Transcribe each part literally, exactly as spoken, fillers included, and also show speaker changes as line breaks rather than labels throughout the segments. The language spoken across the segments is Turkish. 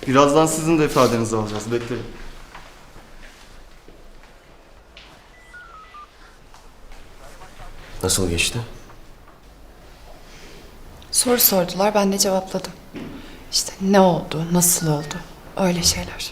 Birazdan sizin de ifadenizi alacağız. Bekleyin.
Nasıl geçti?
Soru sordular, ben de cevapladım. İşte ne oldu, nasıl oldu, öyle şeyler.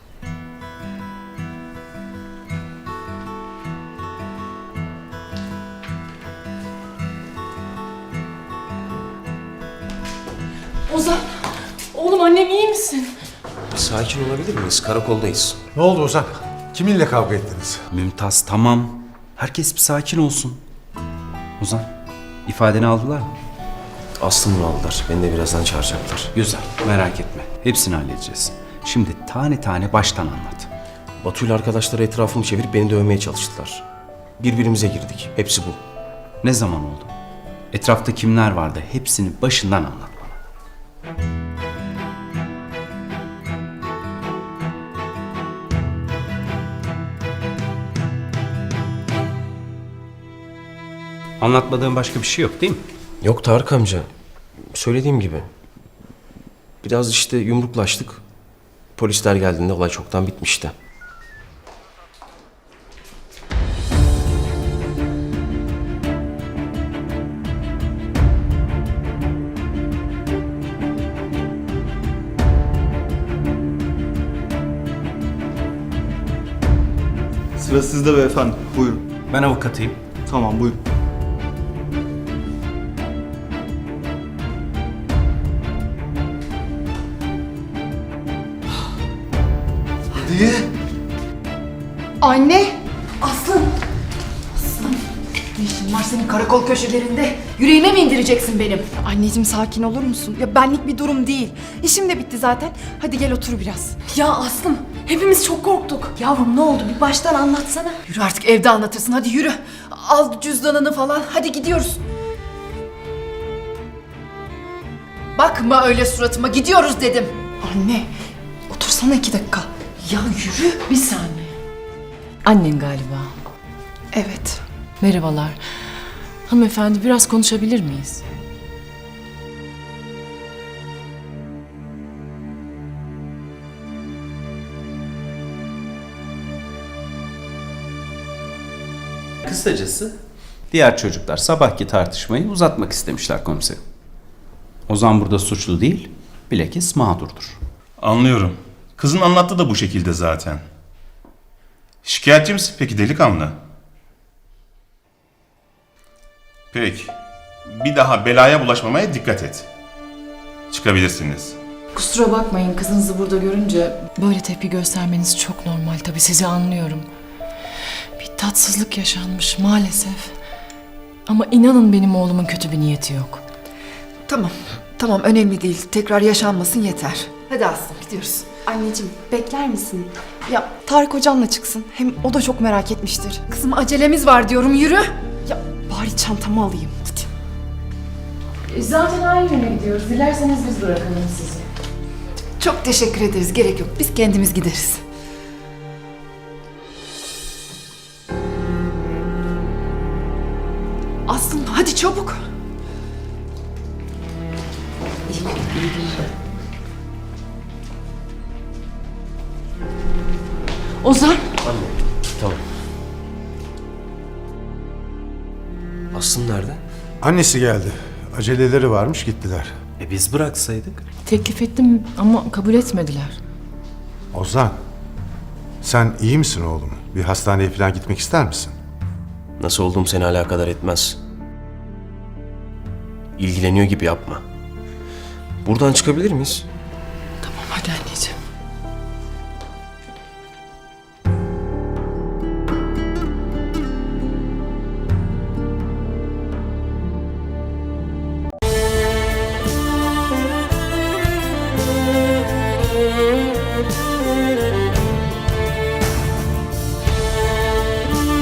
Ozan, oğlum annem iyi misin?
Bir sakin olabilir miyiz? Karakoldayız.
Ne oldu Ozan? Kiminle kavga ettiniz?
Mümtaz tamam. Herkes bir sakin olsun. Ozan, ifadeni aldılar mı?
Aslı'nı aldılar. Beni de birazdan çağıracaklar.
Güzel, merak etme. Hepsini halledeceğiz. Şimdi tane tane baştan anlat.
Batu ile arkadaşları etrafımı çevirip beni dövmeye çalıştılar. Birbirimize girdik. Hepsi bu.
Ne zaman oldu? Etrafta kimler vardı? Hepsini başından anlat bana. Anlatmadığın başka bir şey yok değil mi?
Yok Tarık amca. Söylediğim gibi. Biraz işte yumruklaştık. Polisler geldiğinde olay çoktan bitmişti.
Sıra sizde beyefendi. Buyurun.
Ben avukatıyım.
Tamam, buyurun. Hadi.
Anne! Aslım! Aslım! Ne işin var senin karakol köşelerinde? Yüreğime mi indireceksin benim? Anneciğim sakin olur musun? Ya benlik bir durum değil. İşim de bitti zaten. Hadi gel otur biraz.
Ya Aslım, hepimiz çok korktuk.
Yavrum ne oldu? Bir baştan anlatsana. Yürü artık evde anlatırsın. Hadi yürü. Al cüzdanını falan. Hadi gidiyoruz. Bakma öyle suratıma. Gidiyoruz dedim. Anne, otursana iki dakika. Ya yürü.
Bir saniye. Annen galiba.
Evet.
Merhabalar. Hanımefendi biraz konuşabilir miyiz?
Kısacası diğer çocuklar sabahki tartışmayı uzatmak istemişler komiserim. Ozan burada suçlu değil, bilakis mağdurdur.
Anlıyorum. Kızın anlattığı da bu şekilde zaten. Şikayetçi misin peki delikanlı? Peki. Bir daha belaya bulaşmamaya dikkat et. Çıkabilirsiniz.
Kusura bakmayın kızınızı burada görünce böyle tepki göstermeniz çok normal. Tabii sizi anlıyorum. Bir tatsızlık yaşanmış maalesef. Ama inanın benim oğlumun kötü bir niyeti yok.
Tamam. Tamam önemli değil. Tekrar yaşanmasın yeter. Hadi Aslım gidiyoruz.
Anneciğim bekler misin?
Ya Tarık hocamla çıksın. Hem o da çok merak etmiştir. Kızım acelemiz var diyorum yürü. Ya bari çantamı alayım. Hadi.
E, zaten aynı yöne gidiyoruz. Dilerseniz biz bırakalım sizi.
Çok teşekkür ederiz. Gerek yok. Biz kendimiz gideriz. Aslım hadi çabuk.
Ozan.
Anne, tamam. Aslı nerede?
Annesi geldi. Aceleleri varmış gittiler.
E biz bıraksaydık?
Teklif ettim ama kabul etmediler.
Ozan, sen iyi misin oğlum? Bir hastaneye falan gitmek ister misin?
Nasıl olduğum seni alakadar etmez. İlgileniyor gibi yapma. Buradan çıkabilir miyiz?
Tamam hadi anneciğim.